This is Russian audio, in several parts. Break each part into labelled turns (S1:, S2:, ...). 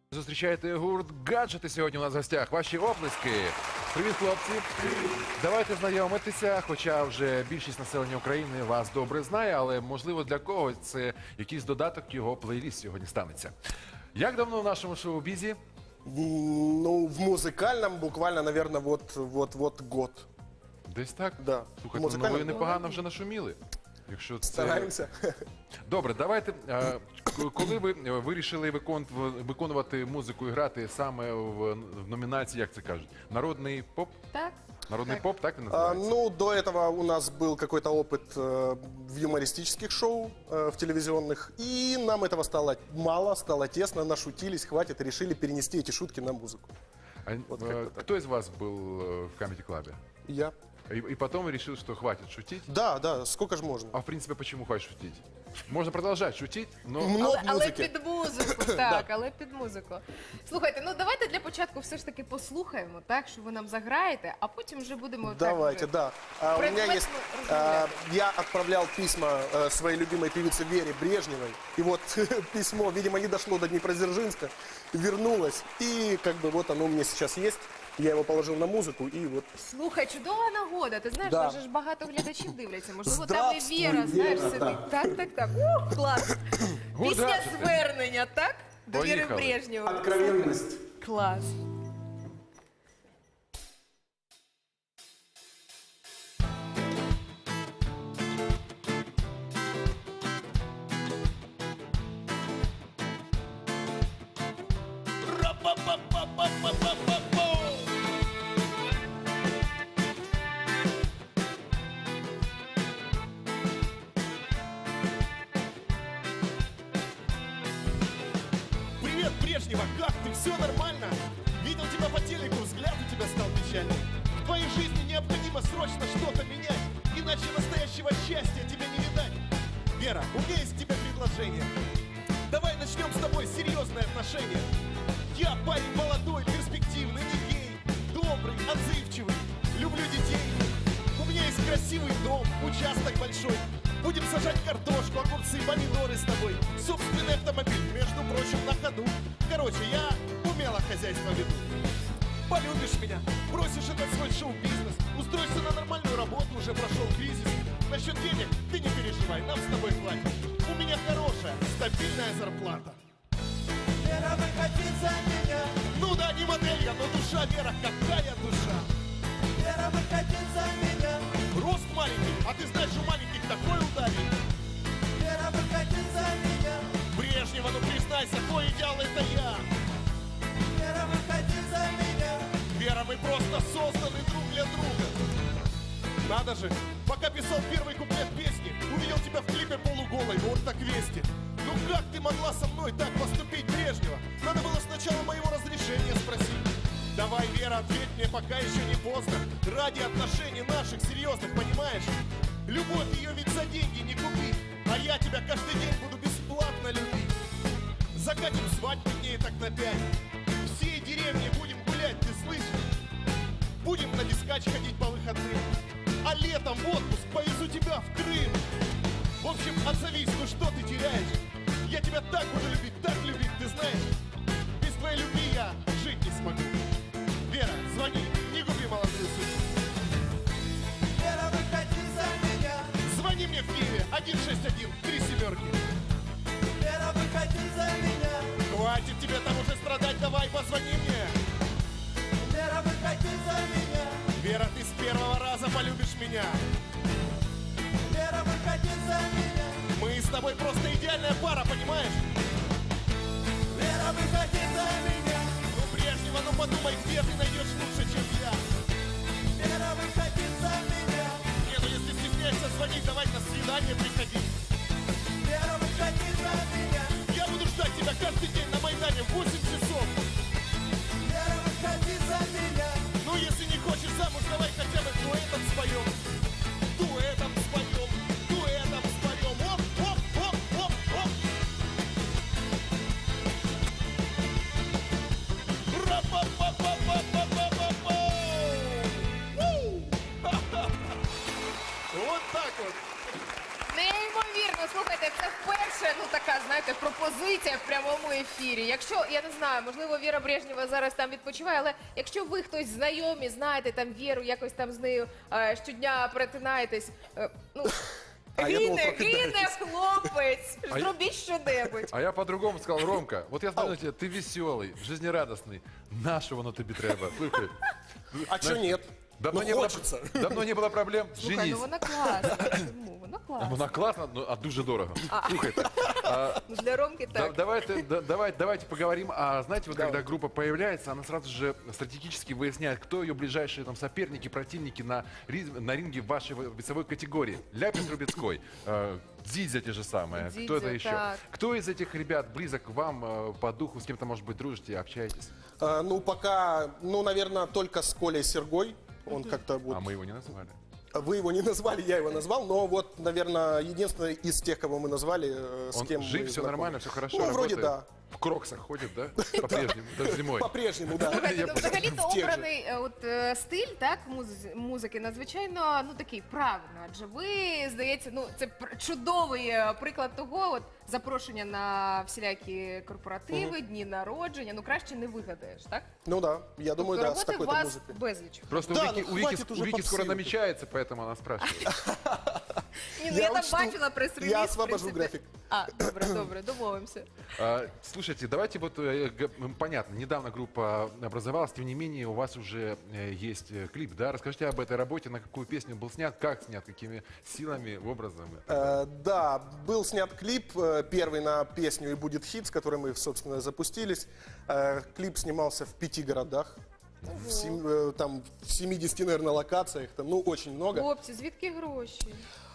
S1: Зустрічайте гурт «Гаджети» сьогодні у нас в гостях. Ваші оплески. Привіт, хлопці. Давайте знайомитися, хоча вже більшість населення України вас добре знає, але, можливо, для когось це якийсь додаток його плейліст сьогодні станеться. Як давно в нашому шоу-бізі?
S2: Ну, в музыкальном буквально, наверное, вот год.
S1: Десь так?
S2: Да.
S1: Слухайте, ну ви непогано вже нашуміли. Якщо це...
S2: Стараемся.
S1: Добре, давайте. Коли ви вирішили виконувати музику і грати саме в номінації, як це кажуть, народний поп?
S3: Так.
S1: Народний поп, так він називається?
S2: Ну, до этого у нас был какой-то опыт в юмористических шоу, в телевизионных, и нам этого стало мало, стало тесно, нашутились, хватит, и решили перенести эти шутки на музыку. Вот как-то так.
S1: Кто из вас был в Comedy Club?
S2: Я.
S1: И потом решил, что хватит шутить?
S2: Да, сколько же можно?
S1: А в принципе, почему хватит шутить? Можно продолжать шутить, но...
S2: Много
S3: Але
S2: музики.
S3: під музику, так, але під музику. Слухайте, ну давайте для початку все ж таки послухаємо, так, що ви нам заграєте, а потім вже будемо
S2: Давайте,
S3: так,
S2: да. У меня
S3: предметно
S2: есть,
S3: разговаривать.
S2: я отправлял письма своей любимой певице Вере Брежневой, и вот письмо, видимо, не дошло до Днепродзержинска, вернулось, и как бы вот оно у меня сейчас есть, я его положил на музыку, и вот...
S3: Слухай, чудова нагода. Ти знаєш,
S2: Да.
S3: нас же ж багато глядачів дивляться. Можливо, там і
S2: Здравствуй,
S3: Віра, знаєш,
S2: Віра,
S3: сидить. Так. Клас.
S1: Гурт
S3: Пісня
S1: «Гаджети».
S3: звернення, так? До Віри
S1: Поїхали.
S3: Брежнєвої.
S2: Откровенность.
S3: Клас.
S4: Привет, Брежнева, как ты? Все нормально? Видел тебя по телеку, взгляд у тебя стал печальный. В твоей жизни необходимо срочно что-то менять, иначе настоящего счастья тебе не видать. Вера, у меня есть к тебе предложение. Давай начнем с тобой серьезные отношения. Я парень молодой, перспективный, не гей, добрый, отзывчивый, люблю детей. У меня есть красивый дом, участок большой. Будем сажать картошку, огурцы, помидоры с тобой. Собственный автомобиль, между прочим, на ходу. Короче, я умело хозяйство веду. Полюбишь меня, бросишь этот свой шоу-бизнес, устроишься на нормальную работу, уже прошел кризис. Насчет денег ты не переживай, нам с тобой хватит. У меня хорошая, стабильная зарплата. Вера, выходи за меня. Ну да, не модель я, но душа, Вера, какая душа. Вера, выходи за меня. Рост маленький, а ты знаешь, у маленьких такой ударит. Вера, выходи за меня. Брежнева, ну признайся, твой идеал это я. Вера, выходи за меня. Вера, мы просто созданы друг для друга. Надо же, пока писал первый куплет песни, увидел тебя в клипе полуголой, вот так вести. Ну как ты могла со мной так поступить, Брежнева? Надо было сначала моего разрешения спросить. Давай, Вера, ответь мне, пока еще не поздно. Ради отношений наших серьезных, понимаешь? Любовь ее ведь за деньги не купить. А я тебя каждый день буду бесплатно любить. Закатим свадьбу дней так на 5. Всей деревне будем гулять, ты слышишь? Будем на дискач ходить по выходным. А летом в отпуск повезу тебя в Крым. В общем, отзовись, ну что ты теряешь? Я тебя так буду любить, ты знаешь? Без твоей любви я жить не смогу. Вера, звони, не губи молодую судьбу. Вера, выходи за меня. Звони мне в Киеве, 161, 3 семерки. Вера, выходи за меня. Хватит тебе там уже страдать, давай позвони мне. Вера, выходи за меня. Вера, ты с первого раза полюбишь меня. Вера, выходи за меня. Мы с тобой просто идеальная пара, понимаешь? Вера, выходи за меня. Ну, Брежнева, ну подумай, где ты найдешь лучше, чем я. Вера, выходи за меня. Не, ну если стесняешься звонить, давай на свидание приходи. Вера, выходи за меня. Я буду ждать тебя каждый день на Майдане в 8 часов. Вера, выходи за меня. Ну, если не хочешь замуж, давай хотя бы дуэтом споем. Дуэтом споем, дуэтом споем. Оп, оп, оп, оп, оп. Ра-па-па-па-па-па-па-па-па. Вот так вот.
S3: Неймовірно. Слухайте, це вперше, ну така, знаєте, пропозиція в прямому ефірі. Якщо, я не знаю, можливо, Віра Брежнєва зараз там відпочиває, але якщо ви хтось знайомі, знаєте там Віру, якось там з нею щодня перетинаєтесь, ну,
S2: А я думал,
S3: гине
S2: прокидаетесь.
S3: хлопець, зробіть щонебудь.
S1: А я по-другому сказал, Ромка, вот я знаю тебя, ты веселый, жизнерадостный. Нащо воно тобі треба? Слухай,
S2: А что нет?
S1: давно,
S2: Ну,
S1: не было,
S2: хочется.
S1: давно не было проблем,
S3: Слухай,
S1: женись.
S3: ну вона класна. Чому? Вона класна.
S1: Вона класна, ну, а дуже дорого. Слухайте,
S3: Ну, для Ромки так.
S1: давайте поговорим. А знаете, вот когда группа появляется, она сразу же стратегически выясняет, кто ее ближайшие там соперники, противники на ринге в вашей весовой категории. Ляпис Трубецкой, Дзидзя те же самые, кто это
S3: Дзидзя,
S1: еще?
S3: так.
S1: Кто из этих ребят близок к вам по духу, с кем-то, может быть, дружите, общаетесь?
S2: Ну, пока, ну, наверное, только с Колей Сергой. Он как-то вот...
S1: А мы его не называли.
S2: Вы его не назвали, я его назвал, но вот, наверное, единственный из тех, кого мы назвали, с
S1: Он
S2: кем
S1: жив,
S2: мы
S1: все
S2: знакомы.
S1: нормально, все хорошо,
S2: Ну, вроде
S1: работает?
S2: да.
S1: В кроксах ходит, да? По-прежнему, даже зимой.
S2: По-прежнему, да.
S3: Слухайте, ну, взагалі-то
S2: В тех же.
S3: обраний стиль так, музики надзвичайно ну, такий правильний. Адже ви, здається, ну, це чудовий приклад того, от, запрошення на всілякі корпоративи, дні народження. Ну, краще не вигадаєш, так?
S2: Ну да, я думаю, да, с
S3: Роботи у
S2: такой-то
S3: вас
S2: музыкой.
S3: безліч.
S1: Просто
S2: Да,
S1: у Вики,
S2: ну,
S1: у Вики-
S2: хватит
S1: у
S2: уже
S1: Вики скоро
S2: попсы.
S1: намечается, поэтому она спрашивает.
S3: Ні, ну я там
S2: учту.
S3: бачила прес-реліз.
S2: Я
S3: в
S2: освобожу
S3: принципі.
S2: графік.
S3: А, добре, домовимося.
S1: Слушайте, давайте вот, понятно, недавно группа образовалась, тем не менее у вас уже есть клип, да? Расскажите об этой работе, на какую песню был снят, как снят, какими силами, образом.
S2: Да, был снят клип, первый на песню «И будет хит», с которой мы, собственно, запустились. Клип снимался в 5 городах, там в 70, наверное, локациях, там, ну, очень много.
S3: Хлопці, звідки гроші?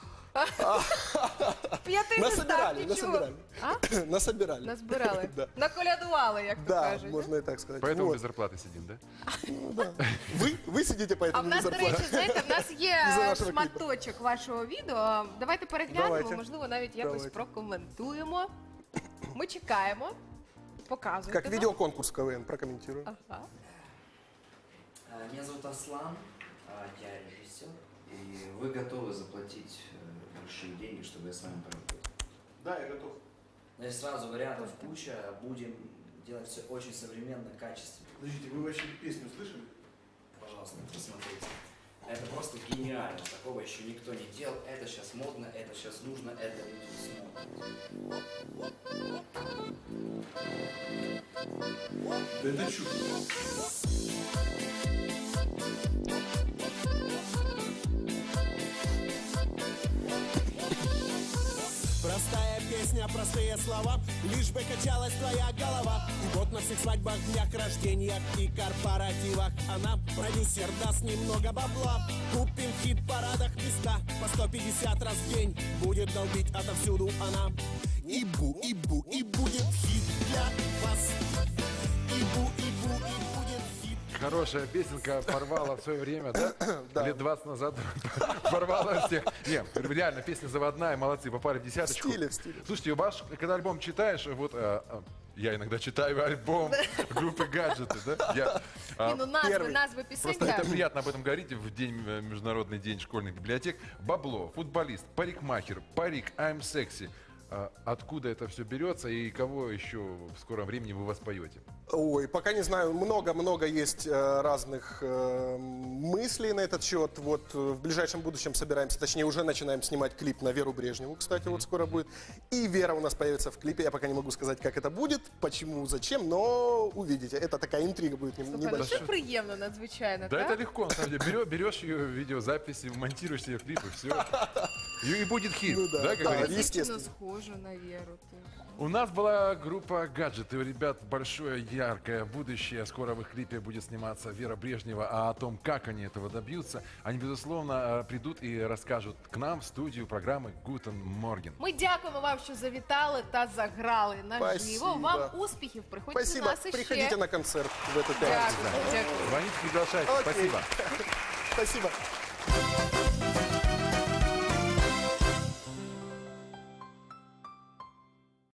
S3: П'яти
S2: Насобирали,
S3: не став,
S2: насобирали.
S3: А?
S2: Насобирали.
S3: Назбирали.
S2: Да.
S3: Наколядували, як то
S2: Да,
S3: кажуть.
S2: можно и так сказать.
S1: Поэтому
S2: Вот.
S1: без зарплаты сидим, да?
S2: Вы сидите по
S3: А
S2: этому
S3: в нас, до речі, знаєте, в нас є
S2: Із-за нашого кліпу.
S3: шматочок вашого відео. Давайте переглянемо,
S2: Давайте.
S3: можливо, навіть якось
S2: Давайте.
S3: прокоментуємо. Ми чекаємо. Показуйте
S2: Как
S3: нам.
S2: видеоконкурс КВН, прокомментирую.
S3: Ага.
S5: Меня зовут Аслан, я режиссер, и вы готовы заплатить большие деньги, чтобы я с вами поработал?
S2: Да, я готов.
S5: Значит, сразу вариантов куча, будем делать все очень современно, качественно.
S2: Подождите, вы вообще песню слышали?
S5: Пожалуйста, посмотрите. Это просто гениально, такого еще никто не делал, это сейчас модно, это сейчас нужно, это люди смотрят.
S2: Да это чудо.
S4: Простая песня, простые слова, лишь бы качалась твоя голова. И вот на всех свадьбах, днях рождениях и корпоративах она, продюсер, даст немного бабла. Купим в хит-парадах места по 150 раз в день. Будет долбить отовсюду она. Ибу, ибу, и будет хит для вас. Ибу, ибу, и будет хит.
S1: Хорошая песенка порвала в свое время, да?
S2: Да.
S1: Лет 20 назад порвала всех. Не, реально, песня заводная, молодцы, попали в десяточку.
S2: В стиле, в стиле.
S1: Слушайте, ваш, когда альбом читаешь, вот я иногда читаю альбом группы «Гаджеты», да?
S3: Ні, ну назви,
S2: Перший.
S3: назви пісень.
S1: Просто
S3: так.
S1: это приятно об этом говорить в день, Международный день школьных библиотек. Бабло, футболист, парикмахер, парик, I'm sexy. Откуда это все берется и кого еще в скором времени вы воспоете?
S2: Ой, пока не знаю, много-много есть разных мыслей на этот счет. Вот в ближайшем будущем собираемся, точнее уже начинаем снимать клип на Веру Брежневу, кстати, вот скоро будет. И Вера у нас появится в клипе, я пока не могу сказать, как это будет, почему, зачем, но увидите, это такая интрига будет
S3: Слухай, ну
S2: небольшая.
S3: це приємно надзвичайно,
S1: Да
S3: так?
S1: это легко, на самом деле. Берешь ее видеозаписи, монтируешь ее клип и все. И будет хит,
S2: Ну да,
S1: да, как
S2: да.
S1: говорится?
S3: Дівчина
S2: естественно.
S3: схожа на Віру. ти.
S1: У нас была группа «Гаджеты». У ребят большое, яркое будущее. Скоро в их клипе будет сниматься Вера Брежнева. А о том, как они этого добьются, они, безусловно, придут и расскажут к нам в студию программы «Гутен Морген».
S3: Ми дякуємо вам, що завітали та заграли наживо.
S2: Спасибо.
S3: Вам успіхів, приходьте до
S2: Спасибо,
S3: нас іще.
S2: приходите на концерт в эту пятницу.
S3: Дякую, дякую.
S1: Звоните, приглашайте.
S2: Окей.
S1: Спасибо.
S2: Спасибо.